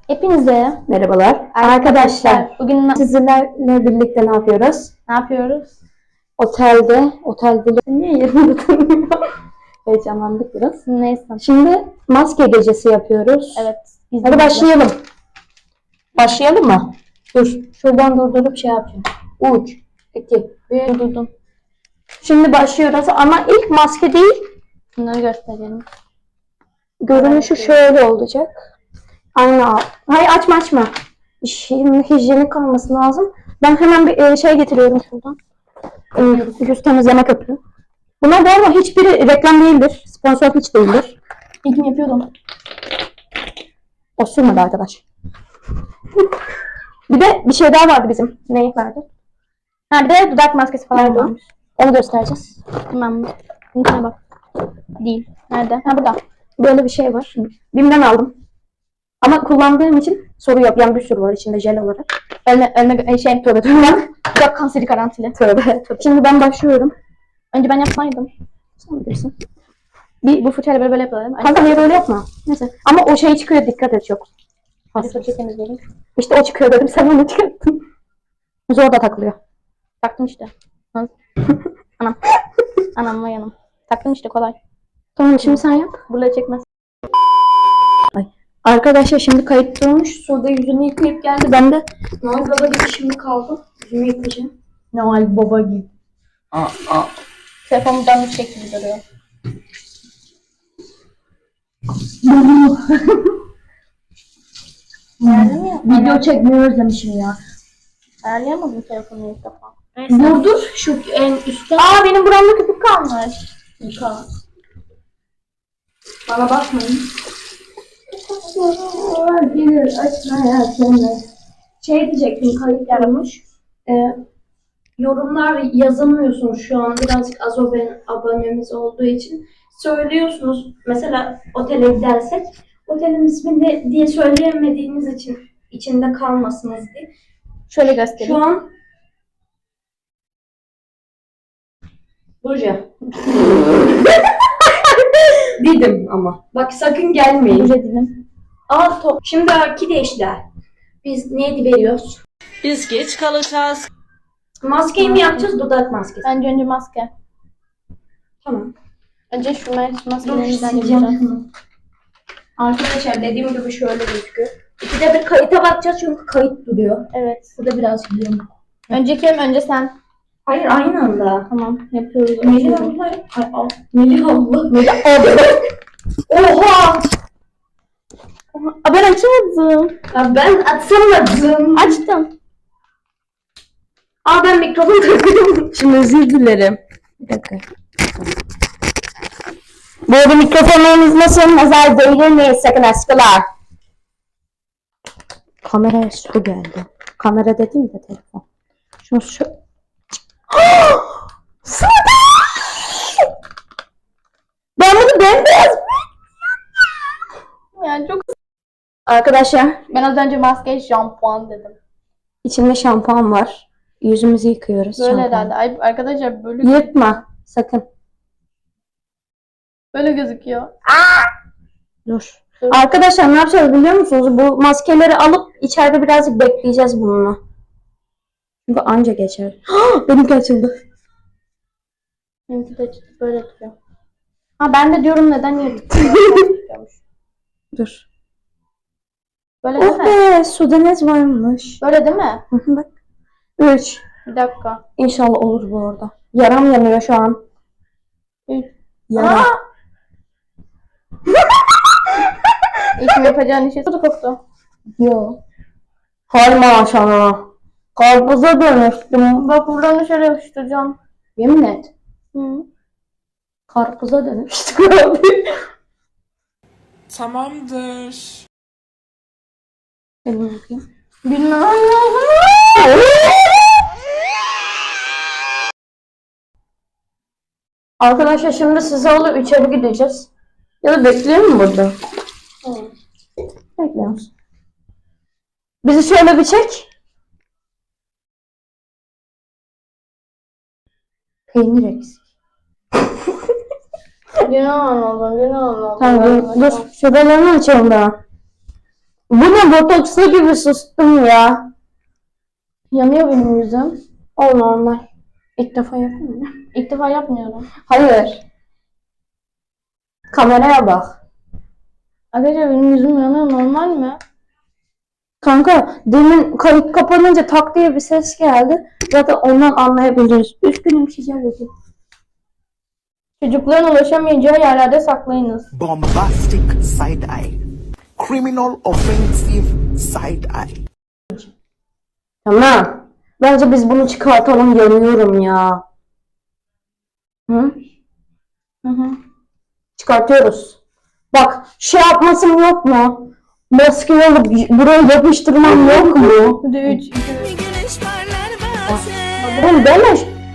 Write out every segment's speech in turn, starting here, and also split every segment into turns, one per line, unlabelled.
Hepinize
Merhabalar.
arkadaşlar. Bugün
Sizlerle birlikte ne yapıyoruz?
ne yapıyoruz?
Otelde niye yerinde tanımıyor? Heyecanlandık biraz.
Neyse.
Şimdi maske gecesi yapıyoruz.
Evet.
Hadi başlayalım. Başlayalım mı? Dur. Şuradan durdurup şey yapayım. 3, 2, 1.
Durdurdum.
Şimdi başlıyoruz ama ilk maske değil.
Bunları gösterelim.
Görünüşü şöyle olacak. Aynen. Hayır açma. Şimdi hijyenik kalması lazım. Ben hemen bir şey getiriyorum şuradan. Yüz temizleme köpüğü. Bunlar bu arada hiçbiri reklam değildir. Sponsor hiç değildir.
İlk yapıyordum.
O sürmedi arkadaş. Bir de bir şey daha vardı bizim. Neyi vardı?
Ha bir de dudak maskesi falan
Nerede?
varmış.
Onu göstereceğiz.
Tamam. Linkine bak. Değil. Nerede? Ha burada.
Böyle bir şey var. BİM'den aldım. Ama kullandığım için soru yok. Yani bir sürü var içinde jel olarak.
Ölme şey
Tövbe.
dudak kanseri garantili.
Tövbe. Şimdi ben başlıyorum.
Önce ben yapsaydım.
Sen bilirsin.
Bu fırçayla böyle yapalım.
Kanka niye böyle yapma? Neyse. Ama o şey çıkıyor, dikkat et çok.
Hadi fırçayı temizleyelim.
İşte o çıkıyor dedim, sen onu çıkarttın. Zor da takılıyor.
Taktım işte. Anam. Anam vay anam. Taktım işte kolay.
Tamam şimdi sen yap.
Buraya çekmez.
Arkadaşlar şimdi kayıt durmuş. Suda yüzünü yıkayıp geldi. Ben de Noel Baba gibi şimdi kaldım. Yüzümü yıkayacağım.
Noel Baba gibi. Telefonumdan bir şekilde duruyor.
Video çekmeyi özlemişim ya.
Ayarlayamadım telefonu ilk defa.
Dur şu en üstte.
Aa benim buramda köpük kalmış.
Yıka. Bana bakmayın. Gelir açmaya seni. Şey diyecektim, kayıt yaramış. Yorumlar yazamıyorsunuz şu an, birazcık az abonemiz olduğu için. Söylüyorsunuz mesela otele gidersek otelin ismini diye söyleyemediğiniz için içinde kalmasınız diye.
Şöyle göstereyim.
Şu an Burcu. Dedim ama. Bak sakın gelmeyin.
Önce dilim.
Al top. Şimdi akide değiştiler. Biz neydi veriyoruz?
Biz geç kalacağız.
Maskeyi mi yapacağız, dudak maskesi?
Bence önce maske.
Tamam.
Önce şu
Dur
maskelerden
sileceğim
yapacağız.
şunu. Arkadaşlar dediğim gibi şöyle gözüküyor. İkide bir kayıta bakacağız çünkü kayıt duruyor.
Evet.
Burada biraz biliyorum.
Önce kim? Önce sen.
Hayır aynı anda.
Tamam yapıyoruz.
Melih abla. Ay, al. Melih abla. Melih abla. Oha!
Aa, ben açamadım.
Ya ben atamadım.
Açtım.
Aa ben mikrofon takıyorum. Şimdi özür dilerim. Bir dakika. Bu arada mikrofonlarımız nasıl? Nazar değdirmeyin sakın aşkılar. Kameraya su geldi. Kamera dediğim de telefon. Şunu şu... Ben bunu bembeyaz...
Yani çok.
Arkadaşlar
Ben az önce maske şampuan dedim.
içinde şampuan var. Yüzümüzü yıkıyoruz.
Böyle
şampuan.
herhalde. Ay, arkadaşlar böyle
Yırtma sakın.
böyle gözüküyor.
Dur. Arkadaşlar ne yapacağız biliyor musunuz? Bu maskeleri alıp içeride birazcık bekleyeceğiz bununla. Çünkü anca geçer. Benimki açıldı.
Benimki de böyle tutuyor. Ha ben de diyorum neden yırtıyor?
Dur.
Böyle değil
Oh
mi?
be, sudanez varmış.
Böyle değil mi?
Bak. 3.
Bir dakika.
İnşallah olur bu arada. Yaram yanıyor şu an.
3.
Yaram.
İlk yapacağın işe su koktu.
Yo. Hay maşallah. Karpuza dönüştüm.
Bak buradan dışarı yapıştıracağım.
Yemin et.
Hı.
Karpuza dönüştüm abi.
Tamamdır.
Elimi yıkayayım.
Bilmem.
Arkadaşlar şimdi size alıp içeri gideceğiz. Ya da bekleyelim mi burada? Bekliyoruz. Bizi şöyle bir çek. Peynir eksik.
Yine anladım.
Tamam dur şuralarını açalım daha. Bu ne botokslu gibi sustum ya.
Yanıyor benim yüzüm.
O normal. İlk defa yapıyorum ya.
İlk defa yapmıyorum.
Hayır. Kameraya bak.
Arkadaşlar benim yüzüm yanıyor, normal mi?
Kanka demin kayıt kapanınca tak diye bir ses geldi. Zaten ondan anlayabiliriz. Üzgünüm şişerdi.
Çocukların ulaşamayacağı yerlerde saklayınız.
Bombastic side eye. Criminal offensive side eye.
Tamam. Bence biz bunu çıkartalım, yanıyorum ya. Hı?
Hı hı.
Çıkartıyoruz. Bak şey yapmasım yok mu? Maske alıp buraya yapıştırmam yok mu?
Bir de 3, 2,
Güneş parlar bazen.
Oğlum deme.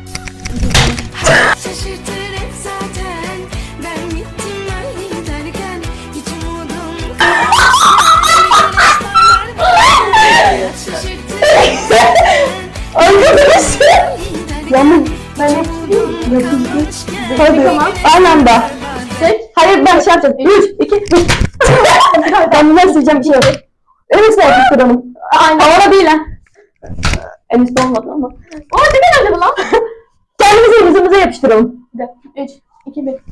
Şaşırtır hep zaten. Ben bittim ben giderken. Hiç umudum kalmamış. Güneş parlar bazen. Şaşırtır hep zaten.
Arkadaşlar.
Giderken.
Yalnız ben hadi. Aynen bak. Hayır ben şey yapacağım. 3, 2, 1. Ben bunları sileceğim bir şey yok. Öyleyse yapıştıralım. Aynen. Havada değil ha. En üstte olmadı ama.
Aa ne geldi bu lan?
Kendimize yüzümüze yapıştıralım.
3, 2, 1.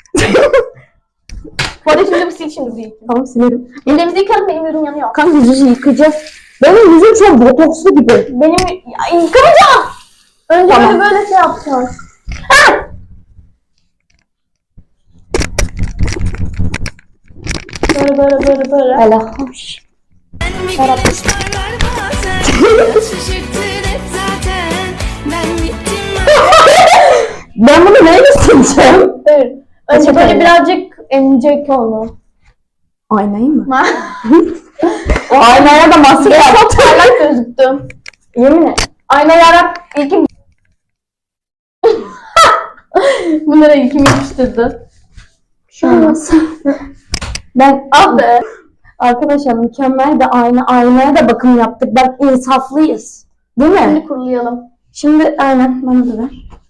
Bu arada şimdi sil şimdi bu ilk.
Tamam silerim.
Ellerimizi yıkalım, benim yüzüm yanıyor.
Kanka yüzü yıkayacağız. Benim yüzüm çok botokslu gibi.
Benim yıkamayacağım. Önce
Tamam.
böyle şey yapacağız. Böyle.
Hele hoş.
Bir güneş parlar bazen. Şaşırtır hep zaten. Ben bittim
Ben bunu neyle sileceğim?
Evet. Önce
Peçeteyle.
böyle birazcık emecek onu.
Aynayı mı? O aynaya da maske
Ben
yap.
çok parlak gözüktüm.
Yemin et.
Ayna yarak ilkim. Bunlara ilkim yapıştırdı.
Şu olmaz. Ben
Ah be.
arkadaşlar mükemmel de aynaya da bakım yaptık. Bak insaflıyız. Değil mi?
Şimdi kurulayalım.
Şimdi aynen bana da ver.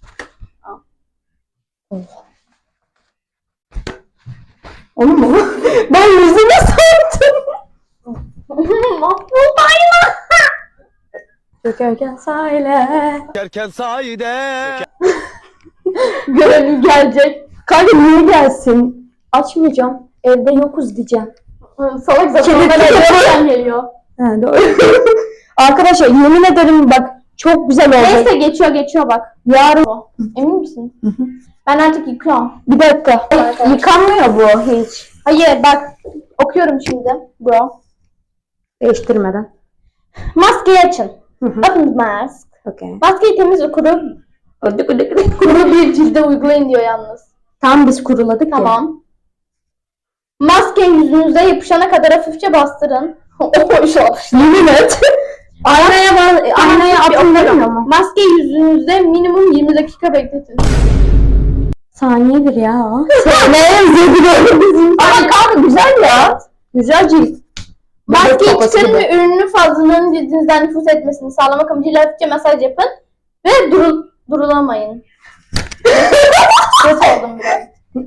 Onu mu? Ben yüzüme sardım.
Mahvoldu ayna.
Dökerken sahile.
Erken sahide.
Görevim gelecek.
Kanka niye gelsin? Açmayacağım. Evde yokuz diyeceğim.
Salak zaten
Kedi
bana
kedi.
görevden geliyor.
Ha doğru. Arkadaşlar yemin ederim bak çok güzel olacak.
Neyse geçiyor bak.
Yarın
Emin misin? Ben artık yıkıyorum.
bir dakika. Yıkanmıyor bu hiç.
Hayır bak. Okuyorum şimdi. Bro.
Değiştirmeden.
Maskeyi açın.
Hı hı.
Open mask.
Okey.
Maskeyi temiz ve kuru bir cilde uygulayın diyor yalnız.
Tam biz kuruladık ya.
Tamam. Maskeyi yüzünüze yapışana kadar hafifçe bastırın. O iş olmuş.
Yemin et. Aynaya atın demiyor mu?
Maskeyi yüzünüzde minimum 20 dakika bekletin.
Saniyedir ya o. Saniyemize giriyor bizim. Ama kanka güzel ya. Güzel cilt.
Maskeyi
kafası
çıkarın
gibi.
ve ürünün fazlalığının cildinizden nüfuz etmesini sağlamak amacıyla hafifçe masaj yapın. Ve durulamayın. Ses oldum biraz.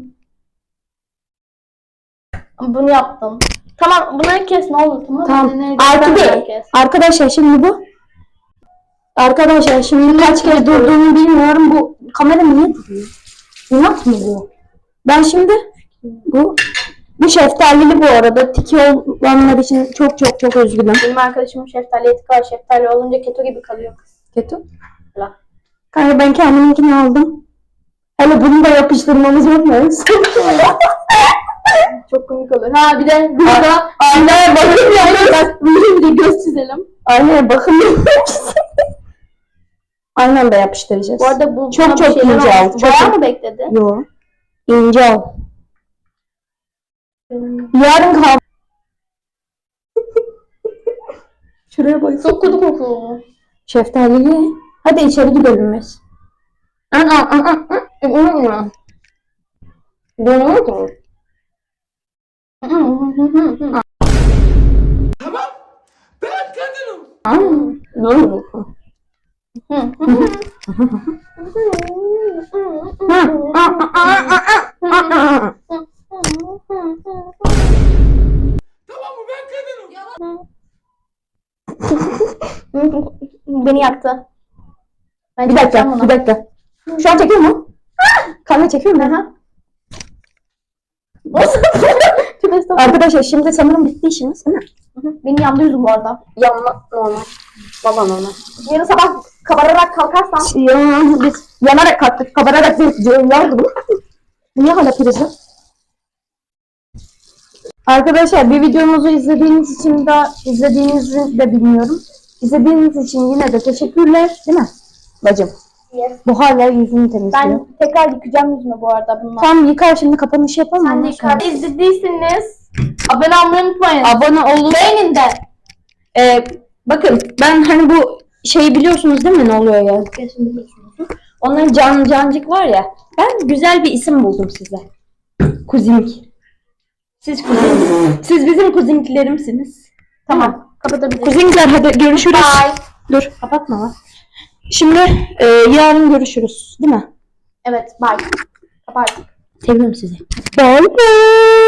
Bunu yaptım. Tamam bunları kes ne olur tamam mı?
Tamam.
Nerede
Artı
istersen
bir.
kes.
Arkadaşlar şimdi bu. Arkadaşlar şimdi kaç kez durduğunu bilmiyorum. Bu kamera niye duruyor? İnat mı bu? Ben şimdi bu şeftalili bu arada. Tiki olanlar için çok çok çok üzgünüm.
Benim arkadaşımın şeftali eti var. Şeftali olunca keto gibi kalıyor kız.
Kötü.
Hala.
Kanka ben kendiminkini aldım. Hele bunu da yapıştırmamız yok mu?
Çok komik olur. Ha bir de burada
Aynaya bakın ya.
bir de göz çizelim.
Aynaya bakın. Aynen da yapıştıracağız.
Bu arada bu
Çok
buna bir
çok
şeyler
ince
olmuş.
al, çok
Bayağı
çok-
mı bekledi?
Yo. İnce al. Yarın kahve. Şuraya bak.
Çok kötü kokuyor.
Şeftalili. Hadi içeri gidelim biz.
Beni yaktı. Ben
Bir dakika,
çekeceğim onu.
bir dakika. Şu an çekiyor mu? Kamera çekiyor mu?
Aha. Nasıl? Çok estağfurullah.
Arkadaşlar şimdi sanırım bitti işimiz değil mi?
Benim yandı yüzüm bu arada.
Yanma normal. Baba normal.
Yarın sabah kabararak kalkarsam
Biz yanarak kalktık. Kabararak değil. Yandı bu. Niye hala prizim? Arkadaşlar bir videomuzu izlediğinizi de bilmiyorum. İzlediğiniz için yine de teşekkürler. Değil mi? Bacım.
yes.
Bu hala yüzünü temizliyor.
Ben tekrar yıkayacağım yüzümü bu arada bununla.
Tam yıkar şimdi kapanış yapalım.
Sen de
ondan sonra.
yıkar. İzlediyseniz abone olmayı unutmayın.
Abone olun.
Beğenin de.
Bakın ben hani bu şeyi biliyorsunuz değil mi ne oluyor ya? Onların cancık var ya. Ben güzel bir isim buldum size. Kuzinik. Siz kuzinik. Siz bizim kuziniklerimsiniz.
Tamam. Kapatabiliriz.
Kuzinikler hadi görüşürüz.
Bye.
Dur kapatma lan. Şimdi yarın görüşürüz değil mi?
Evet bye. Kapat.
Seviyorum sizi. Bye bye.